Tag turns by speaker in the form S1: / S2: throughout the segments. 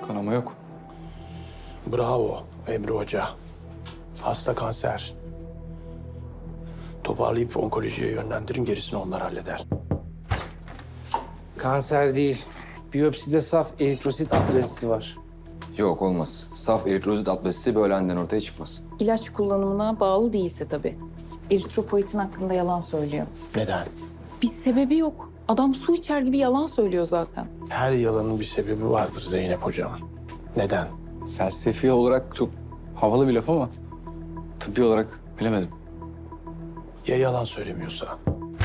S1: Kanama yok.
S2: Bravo Emre Hoca. Hasta kanser. Toparlayıp onkolojiye yönlendirin, gerisini onlar halleder.
S3: Kanser değil. Biyopside saf eritrosit aplazisi var.
S1: Yok olmaz. Saf eritrozit atlasisi böyle aniden ortaya çıkmaz.
S4: İlaç kullanımına bağlı değilse tabii. Eritropoietin hakkında yalan söylüyor.
S2: Neden?
S4: Bir sebebi yok. Adam su içer gibi yalan söylüyor zaten.
S2: Her yalanın bir sebebi vardır Zeynep Hocam. Neden?
S1: Felsefi olarak çok havalı bir laf ama tıbbi olarak bilemedim.
S2: Ya yalan söylemiyorsa?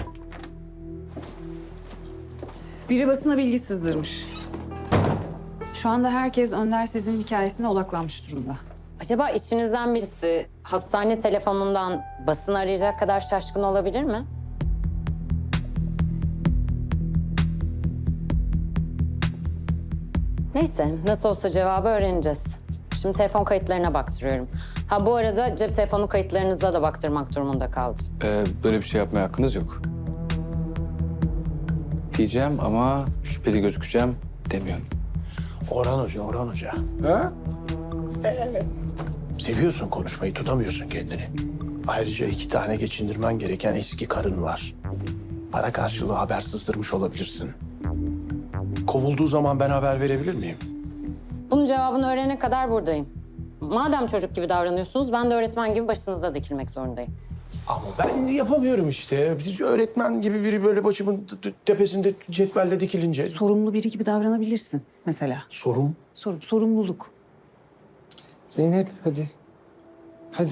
S5: Biri basına bilgi sızdırmış. Şu anda herkes Önder Sezin hikayesine odaklanmış durumda.
S6: Acaba içinizden birisi hastane telefonundan basın arayacak kadar şaşkın olabilir mi? Neyse, nasıl olsa cevabı öğreneceğiz. Şimdi telefon kayıtlarına baktırıyorum. Ha bu arada cep telefonu kayıtlarınıza da baktırmak durumunda kaldım.
S1: Böyle bir şey yapmaya hakkınız yok. Diyeceğim ama şüpheli gözükeceğim demiyorum.
S2: Orhan Hoca.
S3: Ha?
S2: Seviyorsun konuşmayı, tutamıyorsun kendini. Ayrıca 2 tane geçindirmen gereken eski karın var. Para karşılığı haber sızdırmış olabilirsin. Kovulduğu zaman ben haber verebilir miyim?
S6: Bunun cevabını öğrenene kadar buradayım. Madem çocuk gibi davranıyorsunuz, ben de öğretmen gibi başınızda dikilmek zorundayım.
S2: Ama ben yapamıyorum işte. Bir öğretmen gibi biri böyle başımın tepesinde cetvelle dikilince.
S5: Sorumlu biri gibi davranabilirsin mesela.
S2: Sorum.
S5: Sorumluluk.
S3: Zeynep hadi. Hadi.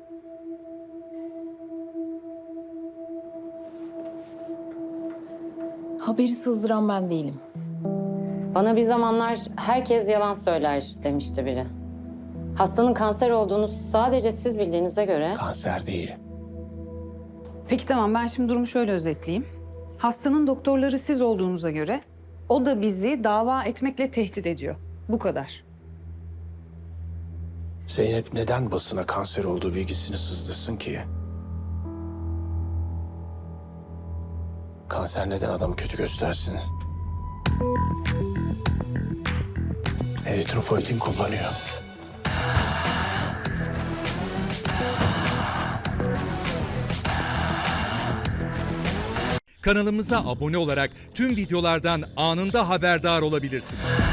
S4: Haberi sızdıran ben değilim.
S6: Bana bir zamanlar herkes yalan söyler demişti biri. Hastanın kanser olduğunu sadece siz bildiğinize göre...
S2: Kanser değil.
S5: Peki tamam, ben şimdi durumu şöyle özetleyeyim. Hastanın doktorları siz olduğunuza göre o da bizi dava etmekle tehdit ediyor. Bu kadar.
S2: Zeynep neden basına kanser olduğu bilgisini sızdırsın ki? Kanser neden adamı kötü göstersin? Eritropoietin kullanıyor.
S7: Kanalımıza abone olarak tüm videolardan anında haberdar olabilirsiniz.